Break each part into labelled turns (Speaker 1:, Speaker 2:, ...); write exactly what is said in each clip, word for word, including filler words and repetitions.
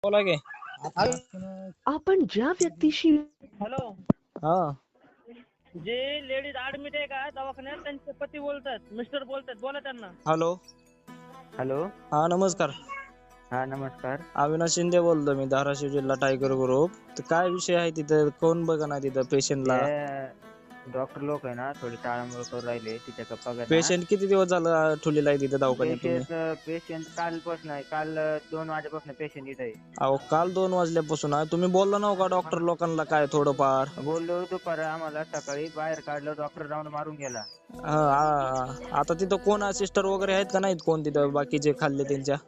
Speaker 1: बोला की.
Speaker 2: आपण ज्या व्यक्तीशी
Speaker 3: हॅलो.
Speaker 1: हा
Speaker 3: जे लेडीज ऍडमिट आहे का दवाखान्यात त्यांचे पती बोलतात, मिस्टर बोलतात, बोला त्यांना.
Speaker 1: हॅलो.
Speaker 4: हॅलो.
Speaker 1: हा नमस्कार.
Speaker 4: हा नमस्कार.
Speaker 1: अविनाश शिंदे बोलतो मी, धाराशिव जिल्हा टायगर ग्रुप. तर काय विषय आहे तिथं, कोण बघा ना तिथं पेशंटला?
Speaker 4: ते डॉक्टर लोक आहे ना थोडी टाळामुळ करून राहिले तिच्या गप्पा ना.
Speaker 1: पेशंट किती दिवस झालं ठेवलेला आहे तिथं दवाखान्यात तुम्ही?
Speaker 4: पेशंट पेशंट कालपासून आहे, काल दोन वाजेपासून पेशंट इथं आहे.
Speaker 1: अहो काल दोन वाजल्यापासून आहे. तुम्ही बोलला नव्ह का डॉक्टर लोकांना काय थोडंफार?
Speaker 4: बोललो दुपार आम्हाला सकाळी बाहेर काढलं, डॉक्टर राऊंड मारून गेला.
Speaker 1: हा, हा. आता तिथं कोण सिस्टर वगैरे आहेत का नाहीत कोण तिथं बाकीचे खाल्ले त्यांच्या?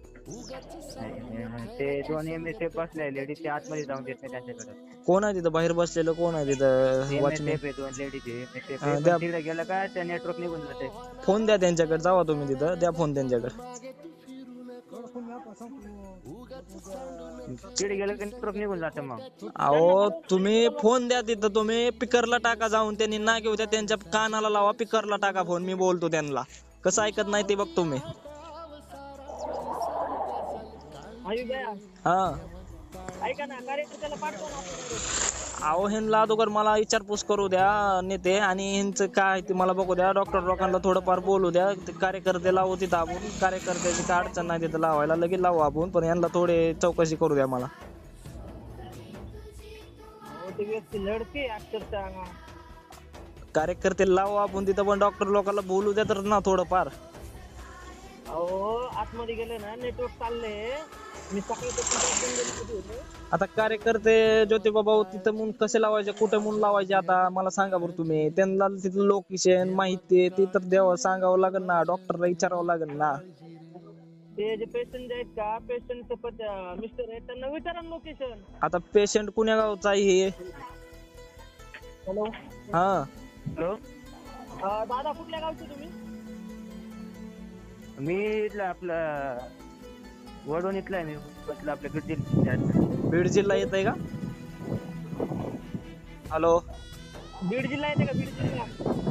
Speaker 4: ते दोन एम एस एफ बसले लेडीज ते आतमध्ये जाऊन देत नाही त्यांच्याकडे.
Speaker 1: कोण आहे तिथं बाहेर बसलेलं, कोण आहे तिथं वॉचमॅन?
Speaker 4: दोन लेडीज
Speaker 1: हा, द्या.
Speaker 4: तिकडे गेलं का त्या नेटवर्क निघून जाते.
Speaker 1: फोन द्या त्यांच्याकडे, जावा तुम्ही तिथं, द्या फोन त्यांच्याकडे.
Speaker 4: तिकडे गेलं की नेटवर्क निघून जातं मग.
Speaker 1: अहो तुम्ही फोन द्या तिथं, तुम्ही पिकरला टाका जाऊन, त्यांनी ना घेऊ द्या, त्यांच्या कानाला लावा, पिकरला टाका फोन, मी बोलतो त्यांना. कसं ऐकत नाही ते बघतो मी. हा
Speaker 3: ऐका ना, कार्यकर्त्याला पाठवा ना आपल्याकडे.
Speaker 1: अहो ह्यांना अगोदर मला विचारपूस करू द्या नेते, आणि ह्यांचं काय ते मला बघू द्या. डॉक्टर लोकांना थोडंफार बोलू द्या. ते कार्यकर्ते लावू तिथं आपण, कार्यकर्त्याची काय अडचण नाही तिथं लावायला, लगेच लावू आपण. पण यांना थोडे चौकशी करू द्या मला.
Speaker 3: ती व्यक्ती लढते अक्षरशः.
Speaker 1: कार्यकर्ते लावू आपण तिथं, पण डॉक्टर लोकांना बोलू द्या तर ना थोडंफार.
Speaker 3: अहो आतमध्ये गेले ना, नेटवर्क चालले. मी सकाळी
Speaker 1: आता कार्यकर्ते ज्योतिबा भाऊ तिथं म्हणून कसे लावायचे, कुठे म्हणून लावायचे, आता मला सांगा बरं तुम्ही. त्यांना तिथलं लोकेशन माहिती ते तर द्यावं, सांगावं लागेल ना, डॉक्टरला विचारावं लागेल ना.
Speaker 3: ते जे पेशंट आहेत का, पेशंटचं मिस्टर आहेत, त्यांना विचारा लोकेशन.
Speaker 1: आता पेशंट कुण्या गावचा आहे हे?
Speaker 3: हॅलो.
Speaker 1: हा
Speaker 4: हॅलो.
Speaker 3: दादा कुठल्या गावचे तुम्ही?
Speaker 4: मी इथला आपला वडून इथला आहे. मी म्हटलं आपल्या बीड जिल्ह्यात.
Speaker 1: बीड जिल्हा येत आहे का? हॅलो.
Speaker 3: बीड जिल्हा येते का? बीड जिल्हा.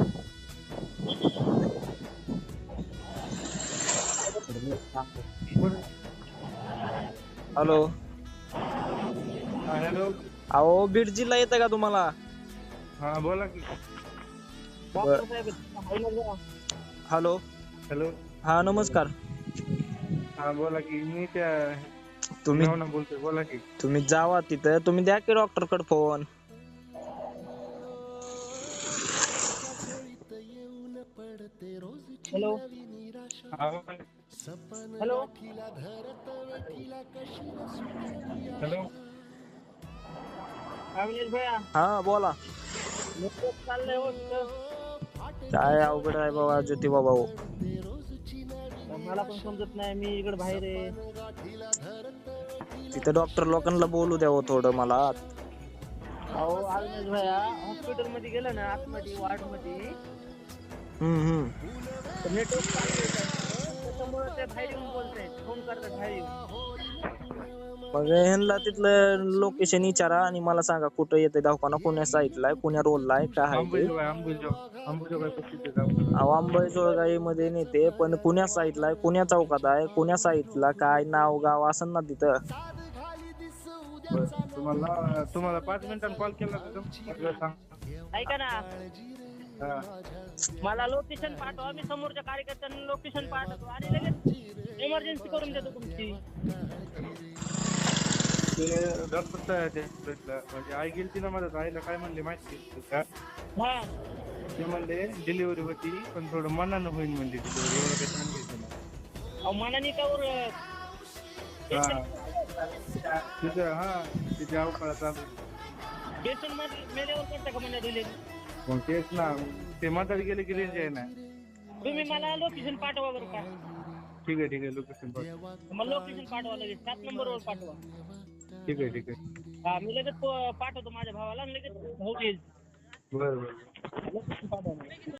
Speaker 1: हॅलो.
Speaker 5: हॅलो.
Speaker 1: अहो बीड जिल्हा येत का तुम्हाला?
Speaker 5: हा बोला की.
Speaker 3: डॉक्टर साहेब.
Speaker 1: हॅलो.
Speaker 5: हॅलो.
Speaker 1: हा नमस्कार.
Speaker 5: हा बोला की. मी त्या
Speaker 1: तुम्ही
Speaker 5: नाव ना बोलतोय, बोला की.
Speaker 1: तुम्ही जावा तिथं, तुम्ही द्या की डॉक्टर कडे फोन.
Speaker 3: हॅलो.
Speaker 5: हा,
Speaker 3: हॅलो.
Speaker 5: हॅलो.
Speaker 3: अविनाश भैया.
Speaker 1: हा बोला.
Speaker 3: नेटवर्क चाललंय हो तिथं.
Speaker 1: काय अवघड आहे बाबा ज्योतिबा भाऊ.
Speaker 3: मला पण समजत नाही, मी इकडे बाहेर आहे.
Speaker 1: तिथं डॉक्टर लोकांना बोलू द्यावं थोडं मला.
Speaker 3: अहो अविनाश भैया, हॉस्पिटल मध्ये गेलं ना, आतमध्ये वार्ड मध्ये
Speaker 1: हम्म हम्म
Speaker 3: नेटवर्क चाललंय त्याच्यामुळे ते बाहेर येऊन बोलतायत, फोन करतात बाहेर येऊन.
Speaker 1: मग ह्यांना तिथलं लोकेशन विचारा आणि मला सांगा कुठं येते दवाखाना, कोण्या साईडला आहे, कोण्या रोडला आहे, काय आहे ते.
Speaker 5: अंबुजोगाई अंबुजोगाई अंबुजोगाई पस्तीस आहे.
Speaker 1: अहो अंबेजोगाई मध्ये नेते, पण कुण्या साईडला आहे, कुण्या चौकात आहे, कुण्या साईडला, काय नाव गाव असं ना तिथं.
Speaker 5: बरं. तुम्हाला तुम्हाला पाच मिनिटांनी कॉल केला तर सांग.
Speaker 3: ऐका ना,
Speaker 5: हा.
Speaker 3: मला लोकेशन पाठवा, मी समोरच्या कार्यकर्त्यांना लोकेशन पाठवतो आणि लगेच इमर्जन्सी करून देतो तुमची.
Speaker 5: ते डॉक्टर ते म्हणजे आई गेली ना, माझ्या आईला काय म्हणले माहिती का?
Speaker 3: हा.
Speaker 5: ते म्हणले डिलिव्हरी होती, पण थोडं मनानं होईल म्हणजे डिलिव्हरी, एवढं काही सांगितलं नाही.
Speaker 3: अहो मनाने कावर
Speaker 5: हा तिथं, हा तिथे अवकाळा चालू.
Speaker 3: पेशंट मध्ये मेल्यावर करता का म्हणजे डिलिव्हरी?
Speaker 5: मग तेच ना, ते म्हातारी गेले की रेंज आहे ना.
Speaker 3: तुम्ही मला लोकेशन पाठवा बरं का.
Speaker 5: ठीक आहे ठीक आहे. लोकेशन पाठव.
Speaker 3: मला लोकेशन पाठवा लगेच, सात नंबरवर पाठवा.
Speaker 5: ठीक आहे ठीक आहे.
Speaker 3: हा मी लगेच पाठवतो माझ्या भावाला, लगेच भाऊ येईल.
Speaker 5: बरं बरं.
Speaker 3: लोकेशन पाठवा.